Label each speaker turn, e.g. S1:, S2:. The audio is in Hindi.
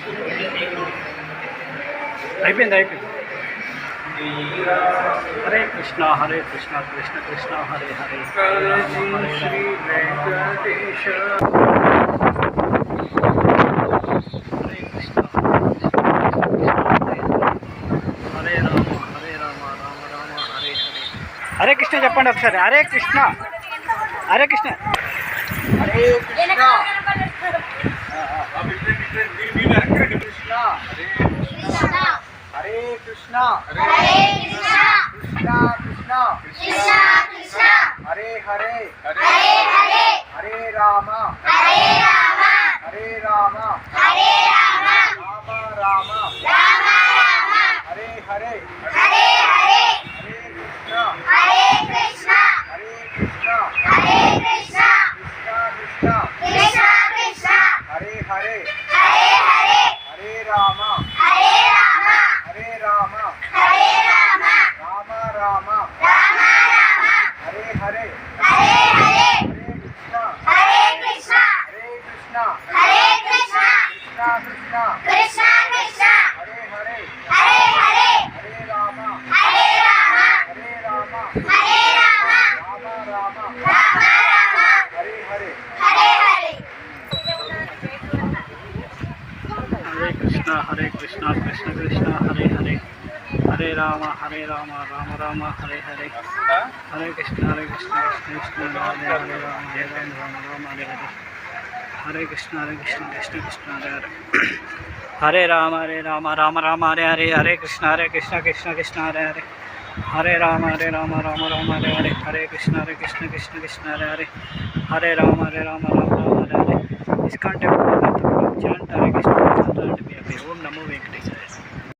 S1: అయిపోయింది అయిపోయింది. హరే కృష్ణ కృష్ణ కృష్ణ హరే హరే శ్రీ వెంకటేశ. హరే కృష్ణ హరే రామ రామ రామ హరే హరే. హరే కృష్ణ చెప్పండి ఒకసారి. హరే కృష్ణ హరే కృష్ణ హరే కృష్ణ हरे कृष्णा कृष्णा कृष्णा हरे हरे हरे राम हरे राम राम हरे हरे हरे कृष्णा कृष्णा कृष्णा कृष्णा हरे हरे हरे राम राम हरे हरे कृष्णा कृष्णा कृष्णा हरे हरे राम राम हरे हरे. हरे कृष्णा कृष्ण कृष्ण हरे हरे हरे राम राम राम हरे हरे. हरे कृष्ण कृष्ण कृष्ण हरे हरे राम राम हरे हरे. हरे कृष्ण कृष्ण कृष्ण हरे हरे. हरे राम राम राम हरे हरे. हरे कृष्ण कृष्ण कृष्ण हरे हरे. हरे राम राम राम हरे हरे. हरे कृष्ण कृष्ण कृष्ण हरे हरे. हरे राम राम राम हरे हरे. इसका टेम्पल में तो चैंट